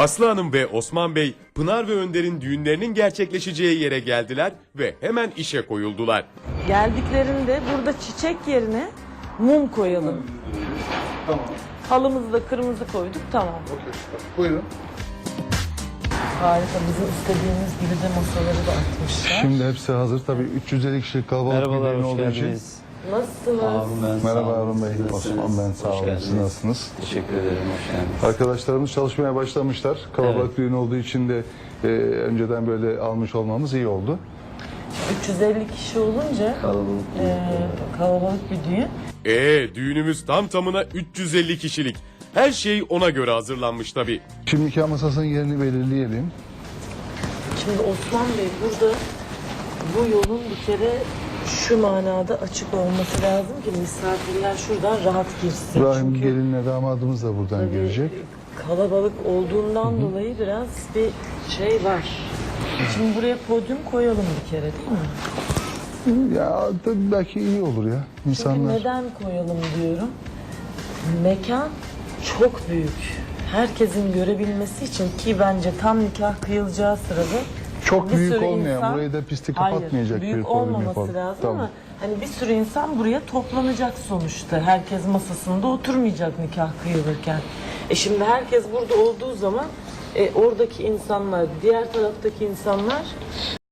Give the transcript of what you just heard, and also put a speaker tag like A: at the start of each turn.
A: Aslı Hanım ve Osman Bey, Pınar ve Önder'in düğünlerinin gerçekleşeceği yere geldiler ve hemen işe koyuldular.
B: Geldiklerinde burada çiçek yerine mum koyalım.
C: Tamam.
B: Halımızı da kırmızı koyduk, tamam.
C: Okey. Buyurun.
B: Harika, bizim istediğimiz gibi de masaları da atmışlar.
C: Şimdi hepsi hazır. Tabii 350 kişilik kalabalık bir
D: Merhabalar,
C: düğün
D: hoş
C: olduğu için.
D: geldiniz.
B: Nasılsınız?
D: Harun ben, sağ
C: Merhaba
D: olun.
C: Harun Bey.
D: Siz nasılsınız?
C: Osman ben, sağ
D: Hoş
C: olun.
D: geldiniz.
C: Siz nasılsınız?
D: Teşekkür ederim, hoş geldiniz.
C: Arkadaşlarımız çalışmaya başlamışlar. Kalabalık düğün olduğu için de önceden böyle almış olmamız iyi oldu.
B: 350 kişi olunca kalabalık bir düğün.
A: Düğünümüz tam tamına 350 kişilik. Her şey ona göre hazırlanmış tabii.
C: Şimdi nikah masasının yerini belirleyelim.
B: Şimdi Osman Bey, burada bu yolun bir kere şu manada açık olması lazım ki misafirler şuradan rahat girsin.
C: İbrahim
B: Çünkü
C: gelinle damadımız da buradan
B: tabii
C: girecek.
B: kalabalık olduğundan dolayı biraz bir şey var. Şimdi buraya podyum koyalım bir kere, değil mi?
C: Ya tabii belki iyi olur ya.
B: Çünkü
C: İnsanlar.
B: neden koyalım diyorum. Mekan çok büyük. Herkesin görebilmesi için, ki bence tam nikah kıyılacağı sırada
C: Çok
B: bir
C: büyük
B: sürü
C: olmayan,
B: insan-
C: burayı da pisti
B: Hayır,
C: kapatmayacak
B: büyük
C: bir podyum
B: olmaması
C: yapalım.
B: lazım
C: Tamam.
B: ama hani bir sürü insan buraya toplanacak sonuçta. Herkes masasında oturmayacak nikah kıyılırken. Şimdi herkes burada olduğu zaman oradaki insanlar, diğer taraftaki insanlar